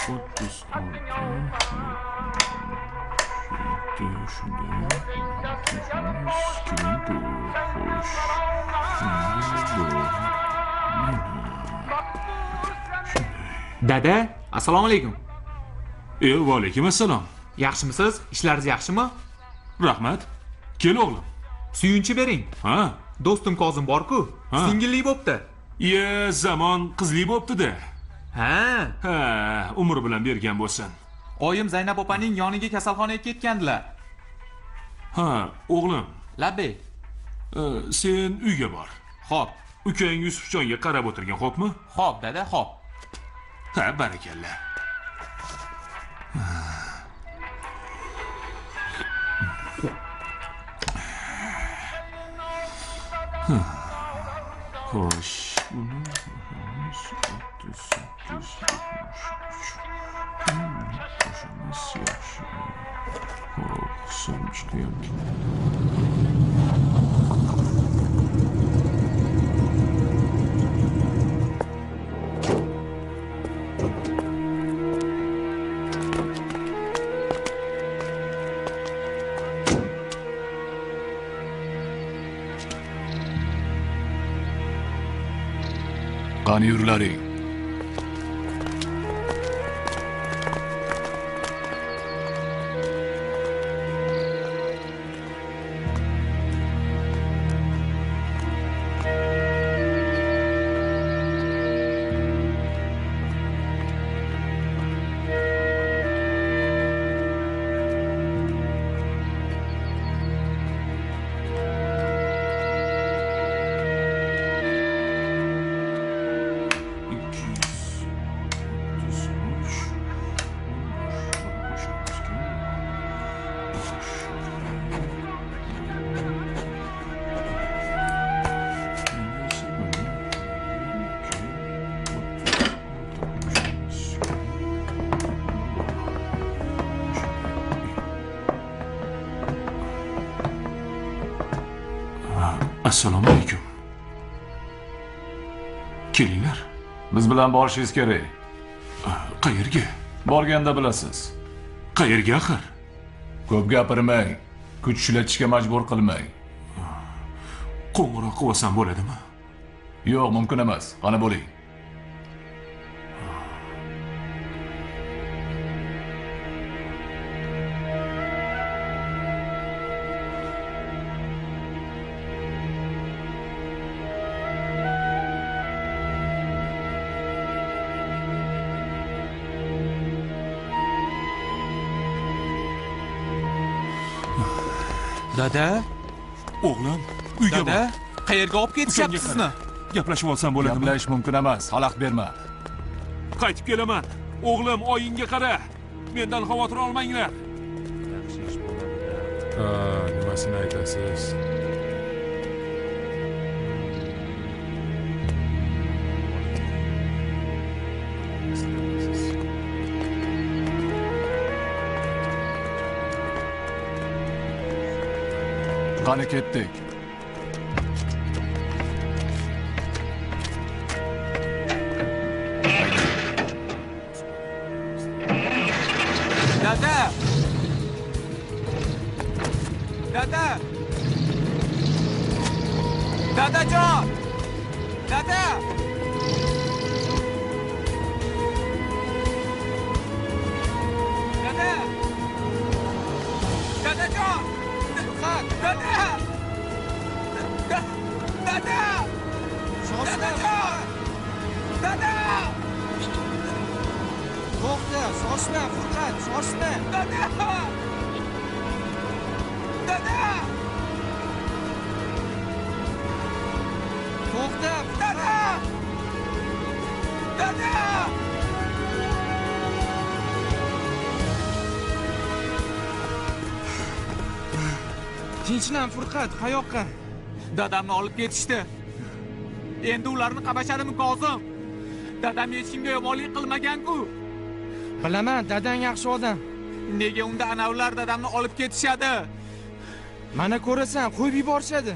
Dada, assalomu alaykum. Va alaykum assalom. Yaxshimisiz? Ishlaringiz yaxshimi? Rahmat. Kel o'g'lim. Suyunchi bering. Ha? Do'stim Kozim bor-ku, singilli bo'pti. Zamon qizli bo'pti-da. Ha, umr bilan bergan bo'lsin. Oyim Zaynab opaning yoniga kasalxonaga ketgandilar. Ha, o'g'lim. Labbay. Sen uyga bor. Xo'p. Ukang Yusufjonga qarab o'tirgan, xo'pmi? Xo'p, dada, xo'p. Ha, barakalla. Xo'sh, buni 38 Qani yurlaring. Assalomu alaykum. Kelinglar. Biz bilan borishingiz kerak. Qayerga? Borganda bilasiz. Qayerga axir? Ko'p gapirmang. Kuch ishlatishga majbur qilmang. Qo'ng'iroq qilsam bo'ladimi? Yo'q, mumkin emas. Qani bo'ling. Dada? O'g'lim, uyga bor. Dada, qayerga olib ketishyapsiz sizni? Gaplashib olsam bo'ladimi? Gaplash mumkin emas. Xalaqit berma. Qaytib kelaman. O'g'lim, oyingga qara. Mendan xavotir olmanglar. Yaxshi ish bo'ladi-da. Nimasini aytasiz? Qani ketdik. Dada! Dada! Dadajon! Dada! Dada! Dadajon! Dada! Dada! Dadajon! Dada! To'xta, shoshma, Furqat, shoshma. Dada! Dada! To'xta, Dada! Dada! tinchlan Furqat, qayoqqa? Dadamni olib ketishdi. Endi ularni qabashadimi Kozim? Dadam hech kimga yomonlik qilmagan-ku. Bilaman, dadang yaxshi odam. Nega unda ana ular dadamni olib ketishadi? Mana ko'rasan, qo'yib yuborishadi.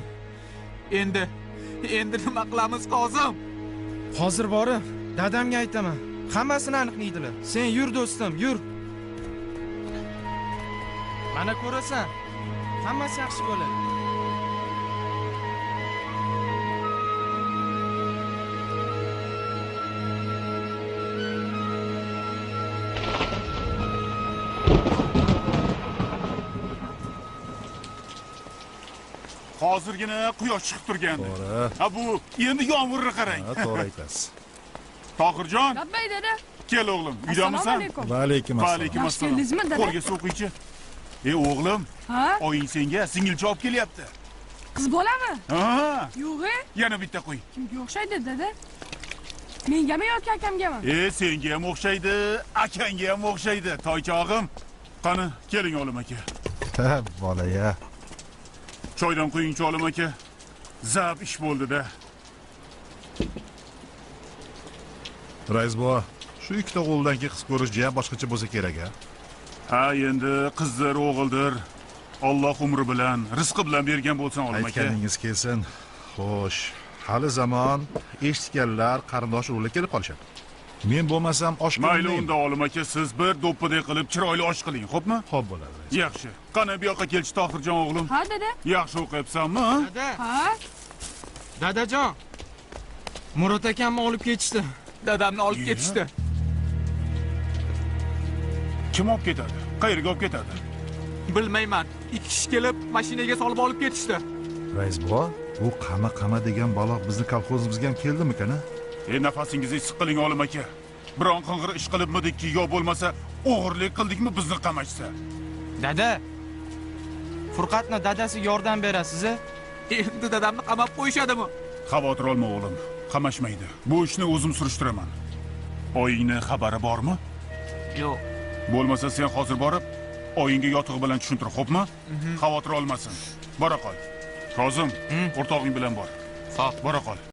Endi nima qilamiz Kozim? Hozir borib, dadamga aytaman. Hammasini aniqlaydilar. Sen yur do'stim, yur. Mana ko'rasan, hammasi yaxshi bo'ladi. Hozirgina quyosh chiqib turgandi. Ha bu endi yomg'irni qarang. Ha, to'g'ri aytasiz. Tohirjon, Labbay dada. kel o'g'lim, Assalomu uydamisan? alaykum. Va alaykum Va assalom. alaykum Yaxshi assalom. keldingizmi, dada? Qo'lga suv quychi. O'g'lim, Ha? oying senga singilcha olib kelyapti. Qiz bolami? Ha, Yo'q-e. yana bitta qo'y. Kimga o'xshaydi dada? Mengami yoki akamgami? Senga ham o'xshaydi, akangga ham o'xshaydi, toychog'im. Qani, keling o'g'lim aka. Ha, bola-ya. Choydan quyingchi o'g'lim aka. Zab ish bo'ldi-da. Rais bova, shu ikkita o'g'ildan keyin qiz ko'rish jiya boshqacha bo'lsa kerak-a. Ha, endi qizdir, o'g'ildir. Alloh umri bilan, rizqi bilan bergan bo'lsin o'g'lim aka. Aytganingiz kelsin. Xo'sh, hali zamon eshitganlar qarindosh urug'lar kelib qolishadi. Men bo'lmasam osh Mayli qilmayman. unda o'g'lim aka, siz bir do'ppiday qilib chiroyli osh qiling, xo'pmi? Xo'p bo'ladi. rais. Yaxshi. Qani bu yoqqa kelchi Tohirjon o'g'lim. Ha dada? Yaxshi o'qiyapsanmi? Dada, Ha? dadajon. Murod akamni olib ketishdi. Dadamni olib ketishdi. Kim olib ketadi? Qayerga olib ketadi? Bilmayman. Ikki kishi kelib mashinaga solib olib ketishdi. Rais bova, bu qama degan balo bizni kolxozimizga ham keldimi-kan? Nafasingizni siqiling o'g'lim aka. Biron qing'ir ish qilibmidikki yo bo'lmasa o'g'irlik qildikmi bizni qamashsa? Dada, Furqatni dadasiga yordam berasiz-a? Endi dadamni qamab qo'yishadimi? Xavotir olma o'g'lim, qamashmaydi. Bu ishni o'zim surishtiraman. Oyingni xabari bormi? Yo'q. Bo'lmasa sen hozir borib, oyingga yotig'i bilan tushuntir, xo'pmi? Xavotir olmasin. Bora qol. Kozim, o'rtog'ing bilan bor. Xo'p. Bora qol.